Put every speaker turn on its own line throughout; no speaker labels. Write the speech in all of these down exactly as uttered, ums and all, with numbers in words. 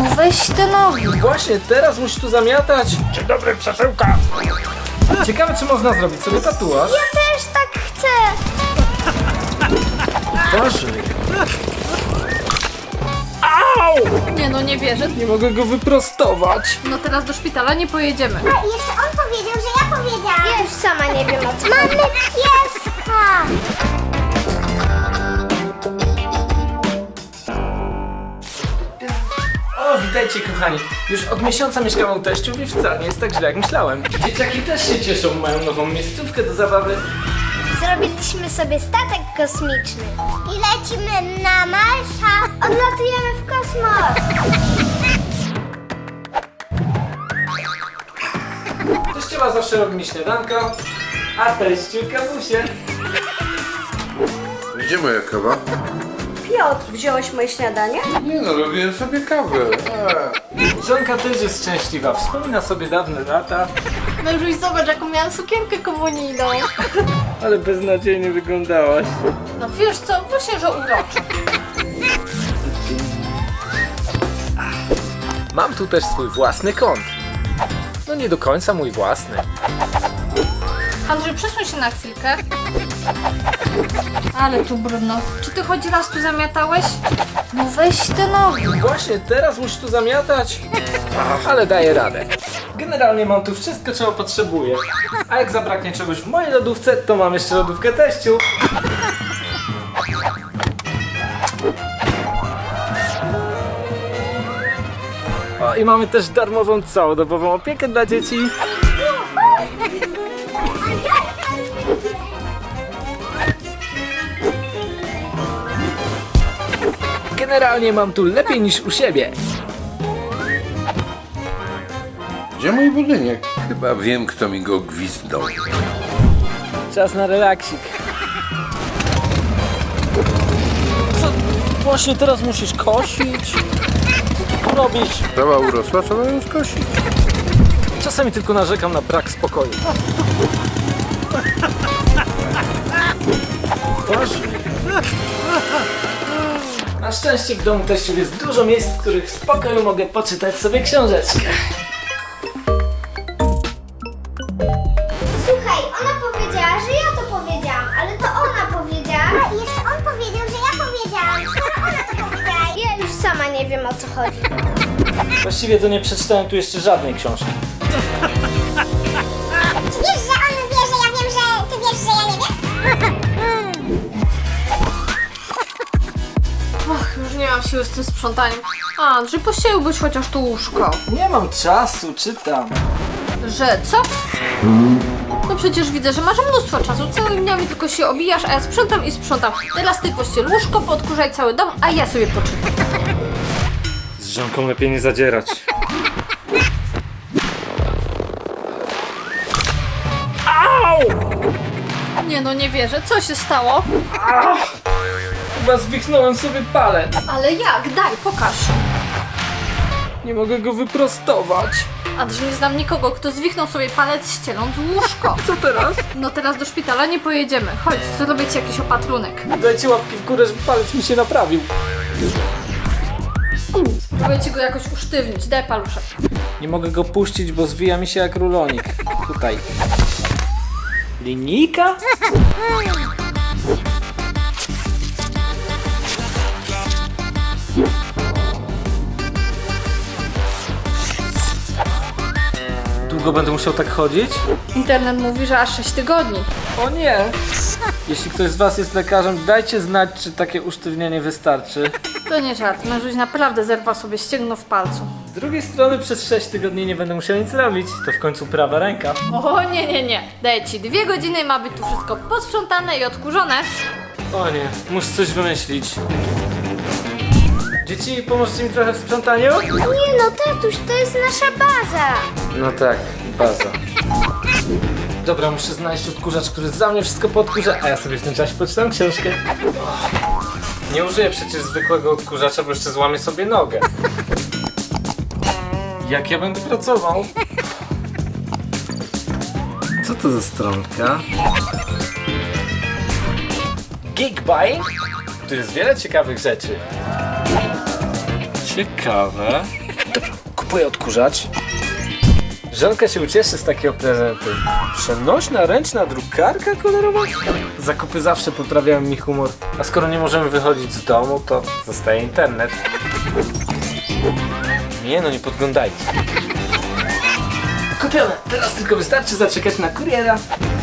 weź te nogi.
Właśnie, teraz musisz tu zamiatać.
Dzień dobry, przesyłka!
Ciekawe, czy można zrobić sobie tatuaż.
Ja też tak chcę.
Uważaj.
Au!
Nie no, nie wierzę.
Nie mogę go wyprostować.
No teraz do szpitala nie pojedziemy.
A jeszcze on powiedział, że ja powiedziałam.
Ja już sama nie wiem o co.
Mamy pieska!
O, witajcie kochani. Już od miesiąca mieszkam u teściów i wcale nie jest tak źle jak myślałem. Dzieciaki też się cieszą, mają nową miejscówkę do zabawy.
Zrobiliśmy sobie statek kosmiczny.
I lecimy na Marsa.
Odlatujemy w kosmos.
Teściowa zawsze robi mi śniadanko, a teściu kawusie.
Gdzie moja kawa?
Piotr, wziąłeś moje śniadanie?
Nie no, robiłem sobie kawę. Eee.
Żonka też jest szczęśliwa, wspomina sobie dawne lata,
Mężuś, zobacz jaką miałam sukienkę komunijną.
ale beznadziejnie wyglądałaś.
No wiesz co, właśnie, że uroczo.
Mam tu też swój własny kąt. No nie do końca mój własny.
Andrzej, przesuń się na chwilkę. Ale tu brudno. Czy ty choć raz tu zamiatałeś?
No weź te nogi.
Właśnie, teraz musisz tu zamiatać. Ale daję radę. Generalnie mam tu wszystko, czego potrzebuję. A jak zabraknie czegoś w mojej lodówce, to mam jeszcze lodówkę teściu. O, i mamy też darmową całodobową opiekę dla dzieci. Generalnie mam tu lepiej niż u siebie.
Gdzie mój budynek? Chyba wiem, kto mi go gwizdał.
Czas na relaksik. Co? Właśnie teraz musisz kosić? Co tu robisz?
Trawa urosła, trzeba ją skosić.
Czasami tylko narzekam na brak spokoju. Uważaj. Na szczęście w domu teściów jest dużo miejsc, w których w spokoju mogę poczytać sobie książeczkę.
Słuchaj, ona powiedziała, że ja to powiedziałam, ale to ona powiedziała. A jeszcze on powiedział, że ja powiedziałam. Skoro ona to powiedziała.
Ja już sama nie wiem o co chodzi.
Właściwie to nie przeczytałem tu jeszcze żadnej książki.
Czy wiesz, że on wie, że ja wiem, że ty wiesz, że ja nie wiem?
Och, już nie mam siły z tym sprzątaniem. Andrzej, pościeliłbyś chociaż tu łóżko.
Nie mam czasu, czytam.
Że co? No przecież widzę, że masz mnóstwo czasu. Całymi dniami tylko się obijasz, a ja sprzątam i sprzątam. Teraz ty pościel łóżko, podkurzaj cały dom, a ja sobie poczytam.
Z żonką lepiej nie zadzierać.
Nie no, nie wierzę. Co się stało?
Chyba zwichnąłem sobie palec.
Ale jak? Daj, pokaż.
Nie mogę go wyprostować.
Andrzej, nie znam nikogo, kto zwichnął sobie palec ścieląc łóżko.
Co teraz?
No teraz do szpitala nie pojedziemy. Chodź, zrobię ci jakiś opatrunek.
Dajcie łapki w górę, żeby palec mi się naprawił.
Spróbuję ci go jakoś usztywnić. Daj paluszek.
Nie mogę go puścić, bo zwija mi się jak rulonik. Tutaj. Linijka? Długo będę musiał tak chodzić?
Internet mówi, że aż sześć tygodni.
O nie! Jeśli ktoś z was jest lekarzem, dajcie znać, czy takie usztywnienie wystarczy.
To nie żart. Mężuś naprawdę zerwał sobie ścięgno w palcu.
Z drugiej strony przez sześć tygodni nie będę musiał nic robić. To w końcu prawa ręka.
O nie, nie, nie. Daję ci dwie godziny, ma być tu wszystko posprzątane i odkurzone.
O nie, muszę coś wymyślić. Dzieci, pomożecie mi trochę w sprzątaniu?
Nie no, tatuś, to jest nasza baza.
No tak, baza. Dobra, muszę znaleźć odkurzacz, który za mnie wszystko podkurza, a ja sobie w tym czasie poczytam książkę. Nie użyję przecież zwykłego odkurzacza, bo jeszcze złamię sobie nogę. Jak ja będę pracował? Co to za stronka? Geekbuying? Tu jest wiele ciekawych rzeczy. Ciekawe. Dobra, kupuję odkurzacz. Żonka się ucieszy z takiego prezentu. Przenośna, ręczna drukarka kolorowa? Zakupy zawsze poprawiają mi humor. A skoro nie możemy wychodzić z domu, to zostaje internet. Nie no, nie podglądajcie. Kupione! Teraz tylko wystarczy zaczekać na kuriera.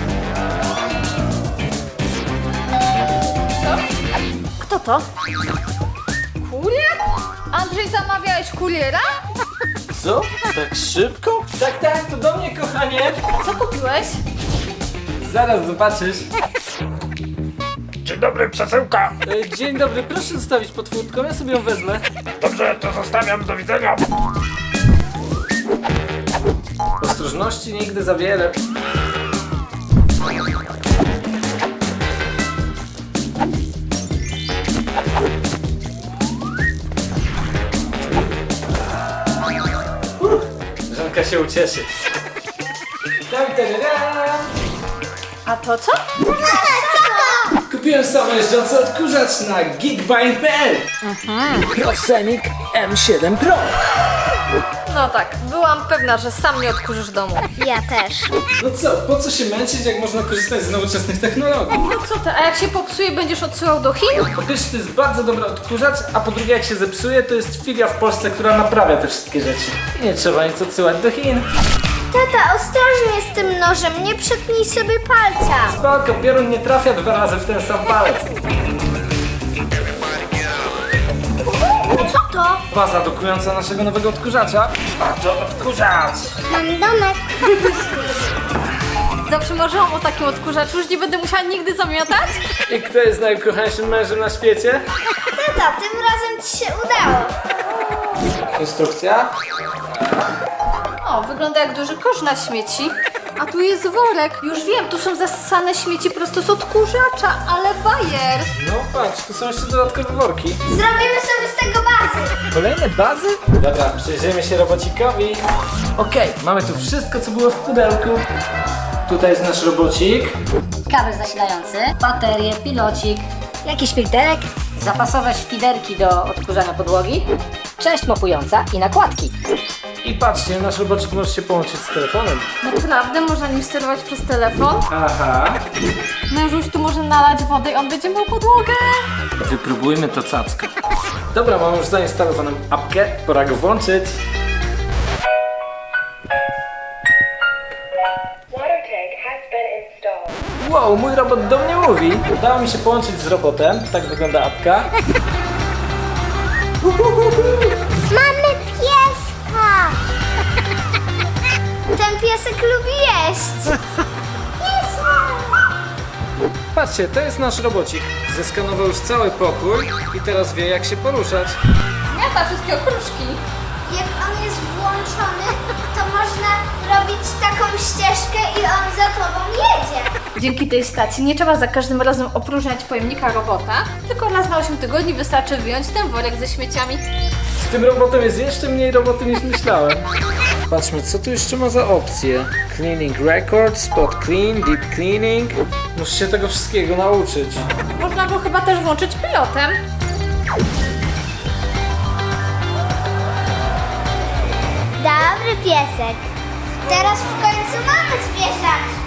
Kto to? Kurier? Andrzej, zamawiałeś kuriera?
Co? Tak szybko? Tak, tak, to do mnie, kochanie!
Co kupiłeś?
Zaraz zobaczysz.
Dzień dobry, przesyłka.
E, Dzień dobry, proszę zostawić pod furtką, ja sobie ją wezmę.
Dobrze, to zostawiam, do widzenia.
Ostrożności nigdy za wiele. Uff, Żonka się ucieszy. Tam, tadadam.
A to co?
Kupiłem samojeżdżący odkurzacz na geekbind kropka p l. Prosenic M siedem Pro.
No tak, byłam pewna, że sam nie odkurzysz domu.
Ja też.
No co, po co się męczyć, jak można korzystać z nowoczesnych technologii?
No co ty, a jak się popsuje, będziesz odsyłał do Chin?
Po pierwsze to jest bardzo dobry odkurzacz, a po drugie jak się zepsuje, to jest filia w Polsce, która naprawia te wszystkie rzeczy. I nie trzeba nic odsyłać do Chin.
Tata, ostrożnie z tym nożem, nie przetnij sobie palca.
Spoko, piorun nie trafia dwa razy w ten sam palec.
Co to?
Baza dokująca naszego nowego odkurzacza. A to odkurzacz!
Mam domek.
Zawsze marzyłam o takim odkurzaczu, już nie będę musiała nigdy zamiatać?
I kto jest najukochańszym mężem na świecie?
Tata, tym razem ci się udało.
Instrukcja?
O, wygląda jak duży kosz na śmieci. A tu jest worek. Już wiem, tu są zasane śmieci prosto z odkurzacza, ale bajer.
No patrz, tu są jeszcze dodatkowe worki.
Zrobimy sobie z tego bazy.
Kolejne bazy? Dobra, przyjrzyjmy się robocikowi. Okej, mamy tu wszystko, co było w pudełku. Tutaj jest nasz robocik.
Kabel zasilający, baterie, pilocik, jakiś filterek, zapasowe szpiderki do odkurzania podłogi, część mopująca i nakładki.
I patrzcie, nasz robocik może się połączyć z telefonem.
Naprawdę można nim sterować przez telefon?
Aha.
Mężuś tu może nalać wodę i on będzie mył podłogę.
Wypróbujmy to cacko. Dobra, mam już zainstalowaną apkę, pora go włączyć.
Water tank has been installed.
Wow, mój robot do mnie mówi. Udało mi się połączyć z robotem, tak wygląda apka.
Mamy pieska. Ten piesek lubi jeść.
Patrzcie, to jest nasz robocik. Zeskanował już cały pokój i teraz wie, jak się poruszać.
Miata wszystkie okruszki.
Jak on jest włączony, to można robić taką ścieżkę i on za tobą jedzie.
Dzięki tej stacji nie trzeba za każdym razem opróżniać pojemnika robota, tylko raz na osiem tygodni wystarczy wyjąć ten worek ze śmieciami.
Z tym robotem jest jeszcze mniej roboty niż myślałem. Patrzmy, co tu jeszcze ma za opcje. Cleaning record, spot clean, deep cleaning. Muszę się tego wszystkiego nauczyć.
Można go chyba też włączyć pilotem.
Dobry piesek. Teraz w końcu mamy zwierzaczka.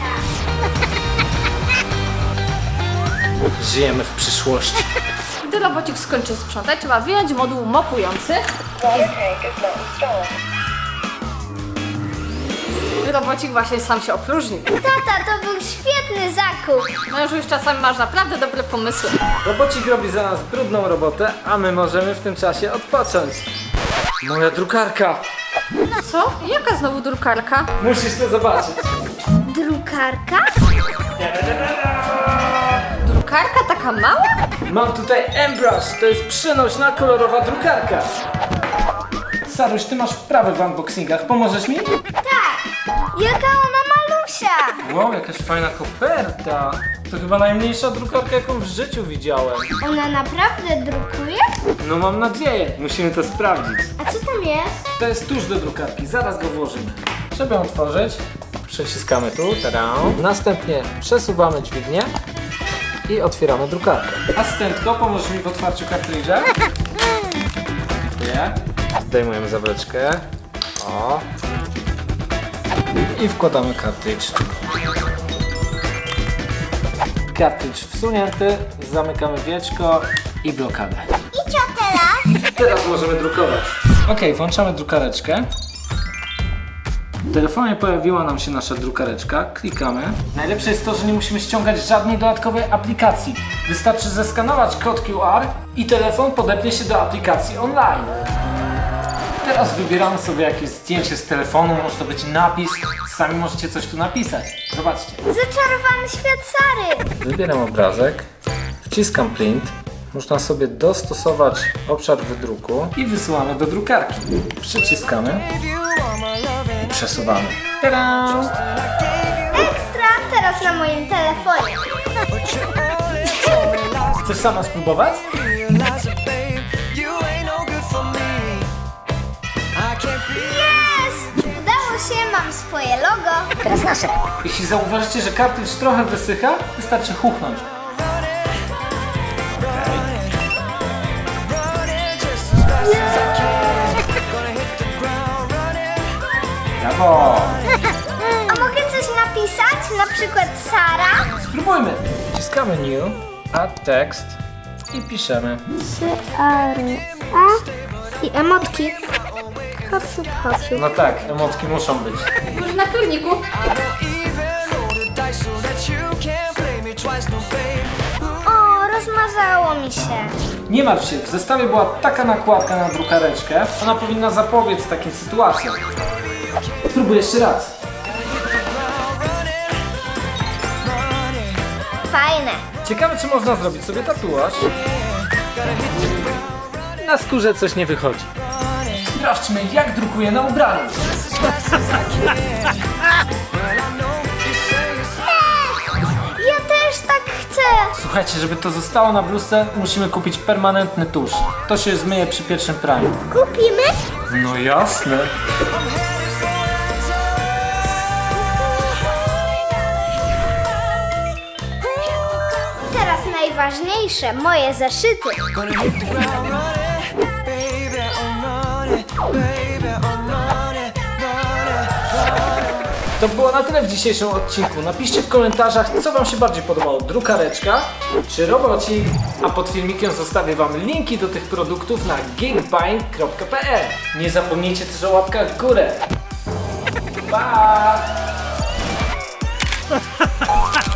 Żyjemy w przyszłości.
Gdy robocik skończy sprzątać, trzeba wyjąć moduł mopujący.
Water tank is not installed.
Robocik właśnie sam się opróżnił.
Tata, to był świetny zakup.
Mężuś, czasami masz naprawdę dobre pomysły.
Robocik robi za nas brudną robotę, a my możemy w tym czasie odpocząć. Moja drukarka!
Co? Jaka znowu drukarka?
Musisz to zobaczyć.
Drukarka?
Drukarka taka mała?
Mam tutaj M-Brush, to jest przenośna kolorowa drukarka. Saruś, ty masz wprawę w unboxingach, pomożesz mi?
Jaka ona malusia.
Wow, jakaś fajna koperta. To chyba najmniejsza drukarka, jaką w życiu widziałem.
Ona naprawdę drukuje?
No mam nadzieję, musimy to sprawdzić.
A co tam jest?
To jest tusz do drukarki, zaraz go włożymy. Żeby ją otworzyć, przyciskamy tu, tada. Następnie przesuwamy dźwignię i otwieramy drukarkę. Asystentko, pomożesz mi w otwarciu kartridża? Dziękuję. Zdejmujemy zawleczkę. O. I wkładamy kartridż. Kartridż wsunięty, zamykamy wieczko i blokadę.
I co teraz?
Teraz możemy drukować. Ok, włączamy drukareczkę. W telefonie pojawiła nam się nasza drukareczka. Klikamy. Najlepsze jest to, że nie musimy ściągać żadnej dodatkowej aplikacji. Wystarczy zeskanować kod Q R i telefon podepnie się do aplikacji online. Teraz wybieramy sobie jakieś zdjęcie z telefonu, może to być napis. Sami możecie coś tu napisać. Zobaczcie.
Zaczarowany świat Sary.
Wybieram obrazek, wciskam print. Można sobie dostosować obszar wydruku i wysyłamy do drukarki. Przyciskamy i przesuwamy. Tada!
Ekstra, teraz na moim telefonie.
Chcesz sama spróbować?
Jest! Udało się, mam swoje logo.
Teraz nasze.
Jeśli zauważycie, że kartridż trochę wysycha, wystarczy huchnąć. Brawo!
A mogę coś napisać? Na przykład Sara?
Spróbujmy! Wciskamy new, add text i piszemy.
Sary. A? I emotki. Hopsiu, hopsiu.
No tak, emotki muszą być.
Już na kurniku.
O, rozmazało mi się.
Nie martw się, w zestawie była taka nakładka na drukareczkę, ona powinna zapobiec takim sytuacjom. Spróbuj jeszcze raz.
Fajne.
Ciekawe, czy można zrobić sobie tatuaż. Na skórze coś nie wychodzi. Sprawdźmy, jak drukuje na ubraniu.
Ja też tak chcę.
Słuchajcie, żeby to zostało na bluzce, musimy kupić permanentny tusz. To się zmyje przy pierwszym praniu.
Kupimy?
No jasne.
Teraz najważniejsze, moje zeszyty.
To było na tyle w dzisiejszym odcinku. Napiszcie w komentarzach, co wam się bardziej podobało, drukareczka czy robocik, a pod filmikiem zostawię wam linki do tych produktów na geekbuying kropka p l. Nie zapomnijcie też o łapkach w górę. Pa!